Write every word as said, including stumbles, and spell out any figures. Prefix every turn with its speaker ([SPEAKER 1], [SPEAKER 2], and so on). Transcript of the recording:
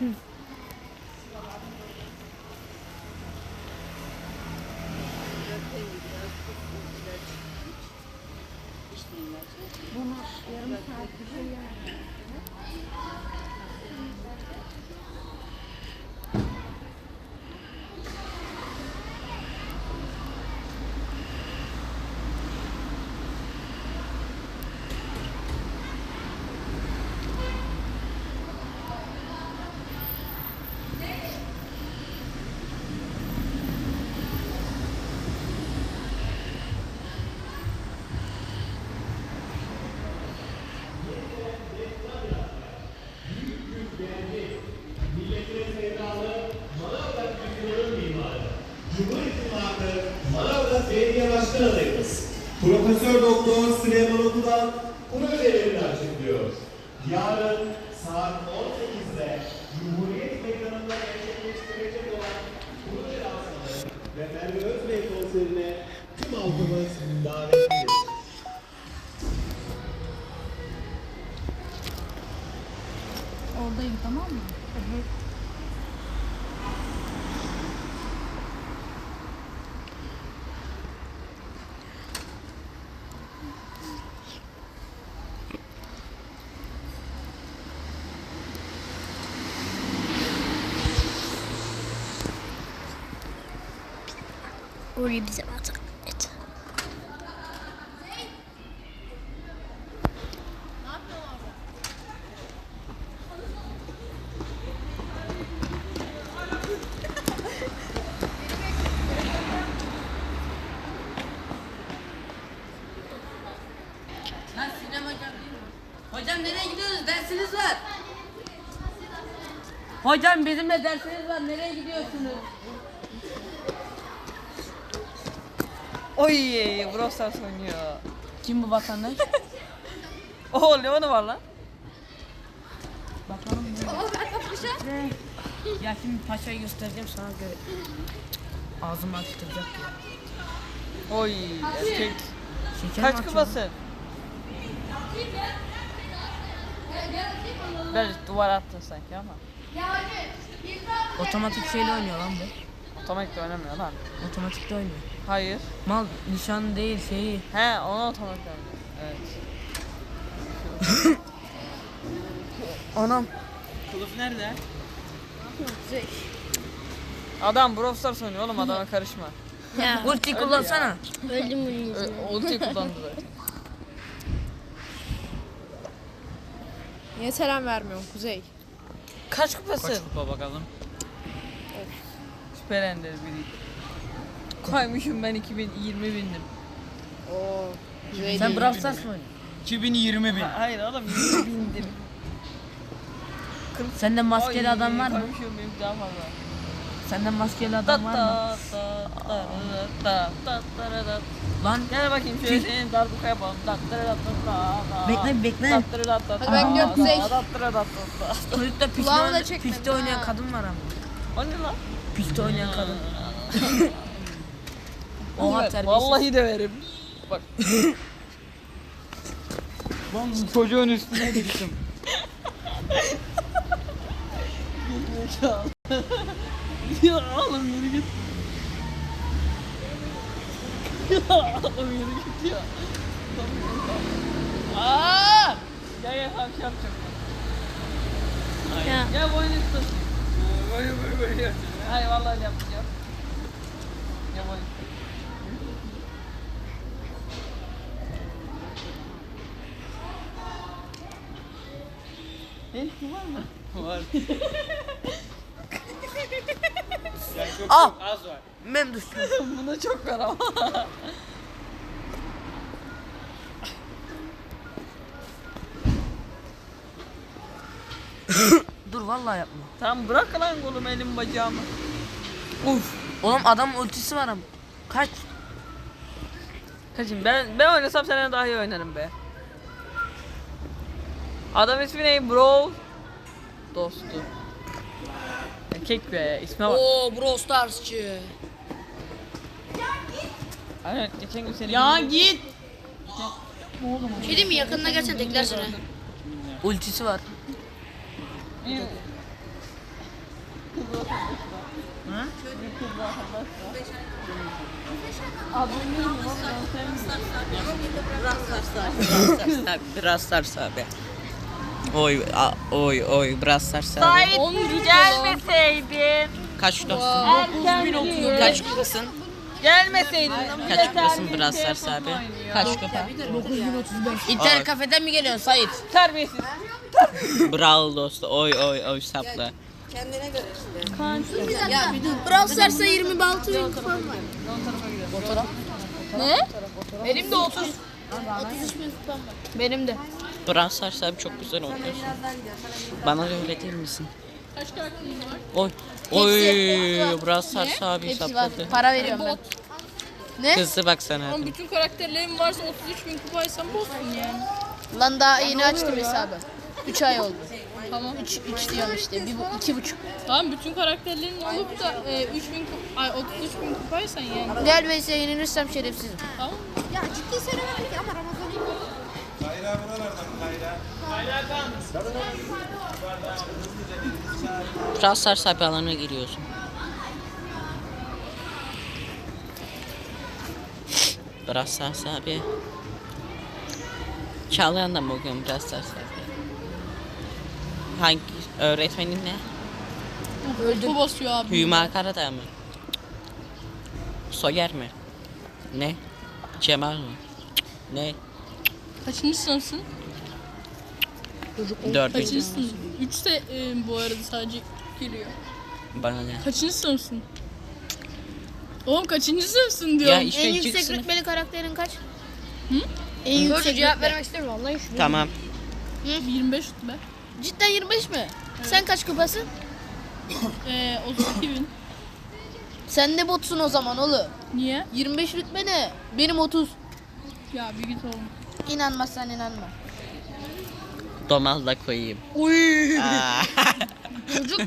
[SPEAKER 1] Bunu yarım saat bir şey yani.
[SPEAKER 2] Profesör Doktor Süleyman Oku'dan projelerini açıklıyor. Yarın saat on sekizde Cumhuriyet Meydanı'nda gerçekleştirecek olan proje lansmanı ve Merve Özbey konserine tüm halkımız davetlidir.
[SPEAKER 1] Oradayım, tamam mı? Evet.
[SPEAKER 3] Orayı bize at. Et.
[SPEAKER 4] Lan Sinem hocam değil mi? Hocam nereye gidiyorsunuz? Dersiniz var. Hocam bizim de dersiniz var. Nereye gidiyorsunuz?
[SPEAKER 5] Oy, Brawl Stars oynuyor.
[SPEAKER 4] Kim bu vatandaş?
[SPEAKER 5] Oo, Leon'u var lan.
[SPEAKER 4] Bakalım ne? Ya şimdi paşayı göstereceğim sana göre. Ağzımı açtıracak ya.
[SPEAKER 5] Oy, erkek.
[SPEAKER 4] Şeker
[SPEAKER 5] Kaç
[SPEAKER 4] mi açıyor?
[SPEAKER 5] kupasın? Biraz duvar attın sanki ama.
[SPEAKER 4] Otomatik şeyle oynuyor lan bu.
[SPEAKER 5] Otomatik de oynamıyor lan.
[SPEAKER 4] Otomatikte oynuyor.
[SPEAKER 5] Hayır.
[SPEAKER 4] Mal nişan değil şeyi.
[SPEAKER 5] He, onu otomatik oynuyor. Evet.
[SPEAKER 4] Anam.
[SPEAKER 5] Kılıf nerede? Adam Brawl Stars oynuyor oğlum, adama karışma.
[SPEAKER 3] Ya.
[SPEAKER 4] Ulti kullansana.
[SPEAKER 3] Öldüm bunun yüzünden.
[SPEAKER 5] Ö- Ulti kullandı zaten.
[SPEAKER 6] Niye selam vermiyorsun Kuzey?
[SPEAKER 5] Kaç kupasın?
[SPEAKER 7] Kaç kupa bakalım?
[SPEAKER 5] Süper Ender biri. Koymuşum ben iki bin yirmi bindim.
[SPEAKER 6] Oo. Kuzey
[SPEAKER 4] Sen
[SPEAKER 6] değil.
[SPEAKER 4] Brawl Stars mı oynuyorsun?
[SPEAKER 7] iki bin yirmi bin.
[SPEAKER 5] Ha- Hayır oğlum yirmi bindim.
[SPEAKER 4] Sende maskeli
[SPEAKER 5] Ay,
[SPEAKER 4] adam var mı?
[SPEAKER 5] Koymuşum benim daha fazla.
[SPEAKER 4] Sende maskeli
[SPEAKER 5] Ta
[SPEAKER 4] adam var mı?
[SPEAKER 5] ta ta ta ta ta ta ta ta.
[SPEAKER 4] Lan
[SPEAKER 5] Gel bakayım şöyle senin darbuka yapalım. Ta ta ta ta ta.
[SPEAKER 4] bekle bekle.
[SPEAKER 5] Ta ta ta ta.
[SPEAKER 6] Hadi ben gidiyorum Kuzey.
[SPEAKER 5] Ta ta ta ta ta.
[SPEAKER 4] Kulüpte piste,
[SPEAKER 6] Kulağımı da
[SPEAKER 4] oyna-
[SPEAKER 6] çekmedin
[SPEAKER 4] piste
[SPEAKER 6] ha.
[SPEAKER 4] oynayan kadın var ama.
[SPEAKER 5] O ne lan?
[SPEAKER 4] Piste oynayan kadın. Oha terbiyesiz.
[SPEAKER 5] Vallahi döverim. Bak.
[SPEAKER 7] Lan bu çocuğun üstüne düştüm.
[SPEAKER 5] Ya oğlum yürü git. Ya oğlum yürü git ya. Aaa! Gel gel tamam şey yapacağım.
[SPEAKER 3] Ya.
[SPEAKER 5] Gel boyun üstü. Böyle böyle böyle yapacağım. Hayır vallahi öyle yapacağım. Gel boyun üstü. Elki var mı?
[SPEAKER 7] Var. Ya çok,
[SPEAKER 4] Ah!
[SPEAKER 7] çok az var.
[SPEAKER 4] Mem düştüm.
[SPEAKER 5] Buna çok var ama.
[SPEAKER 4] Dur vallahi yapma.
[SPEAKER 5] Tamam bırak lan kolumu elim bacağımı.
[SPEAKER 4] Uf. Oğlum adam ultisi var ama. Kaç.
[SPEAKER 5] Kaçın ben ben oynasam senden daha iyi oynarım be. Adam ismi ne bro? Dostu. Erkek be isme bak.
[SPEAKER 4] Oo Brawl Stars'çı.
[SPEAKER 5] Aynen geçen gün seni
[SPEAKER 4] Ya
[SPEAKER 5] bildim.
[SPEAKER 4] git.
[SPEAKER 3] Bir şey diyeyim mi? Yakınına gelsen tekler seni.
[SPEAKER 4] Ultisi var. Hı?
[SPEAKER 8] Biraz sarsa abi. Oy a, oy oy biraz sarsa abi.
[SPEAKER 5] Sait gelmeseydin.
[SPEAKER 8] Kaç kilosun?
[SPEAKER 5] Erken
[SPEAKER 8] Kaç kilosun?
[SPEAKER 5] gelmeseydin.
[SPEAKER 8] Kaç kilosun biraz sarsa abi? Kaç kilo?
[SPEAKER 4] İnternet kafeden mi geliyorsun Sait?
[SPEAKER 5] Terbiyesiz.
[SPEAKER 8] Bravo dostu. Oy oy oy sapla.
[SPEAKER 3] Brawl Stars'a yirmi altı bin kupam var.
[SPEAKER 6] Ne? Benim de otuz.
[SPEAKER 3] otuz üç bin kupam var.
[SPEAKER 6] Benim de.
[SPEAKER 8] Biraz sarsa abi çok güzel oynuyorsun. Bana da öğretir misin? Kaç karakterin var? Oy. Oy biraz sarsa abi
[SPEAKER 6] Hepsi var.
[SPEAKER 8] sapladı.
[SPEAKER 6] Para veriyorum ben. Ne?
[SPEAKER 8] Kızdı bak sana.
[SPEAKER 5] Oğlum bütün karakterlerim varsa otuz üç bin kupaysan bozsun yani.
[SPEAKER 6] Lan daha yeni açtım hesabı. üç ay oldu. Tamam. üç üç diyorum işte. Bir, bu- iki buçuk.
[SPEAKER 5] Tamam bütün karakterlerin olup da e, üç bin kup ay otuz üç bin kupaysan yani.
[SPEAKER 6] Gel ve ise yenilirsem şerefsizim.
[SPEAKER 5] Tamam.
[SPEAKER 1] Ya ciddi söylemedik ama Ramazan'ı
[SPEAKER 8] Biraz sarsa abi alana giriyorsun. Biraz sarsa abi. Çağlayan'da mı okuyorum biraz sarsa abi? Hangi öğretmenin ne?
[SPEAKER 5] Bu basıyor abi.
[SPEAKER 8] Hüma Karadağ mı? Soyer mi? Ne? Cemal mi? Ne?
[SPEAKER 5] Kaçıncı sınıfsın?
[SPEAKER 8] Dördüncü.
[SPEAKER 5] Kaçıncı sınıf? Üç de e, bu arada sadece geliyor.
[SPEAKER 8] Bana ne?
[SPEAKER 5] Kaçıncı sınıfsın? Oğlum kaçıncı sınıfsın diyorum.
[SPEAKER 8] Ya işte
[SPEAKER 3] En
[SPEAKER 8] ilk
[SPEAKER 3] yüksek
[SPEAKER 8] sınıf.
[SPEAKER 3] rütbeli karakterin kaç?
[SPEAKER 5] Hı?
[SPEAKER 3] En yüksek
[SPEAKER 6] Cevap
[SPEAKER 3] rütbe.
[SPEAKER 6] vermek istiyorum vallahi şu.
[SPEAKER 8] Tamam.
[SPEAKER 5] yirmi beş rütbe.
[SPEAKER 3] Cidden yirmi beş mi? Sen kaç kupasın?
[SPEAKER 5] E, otuz iki bin.
[SPEAKER 6] Sen de botsun o zaman oğlum.
[SPEAKER 5] Niye?
[SPEAKER 6] yirmi beş rütbe ne? Benim otuz.
[SPEAKER 5] Ya bir git oğlum.
[SPEAKER 6] İnanmazsan inanma.
[SPEAKER 8] Domal da koyayım.
[SPEAKER 6] Uy.
[SPEAKER 8] Aa.
[SPEAKER 6] Çocuk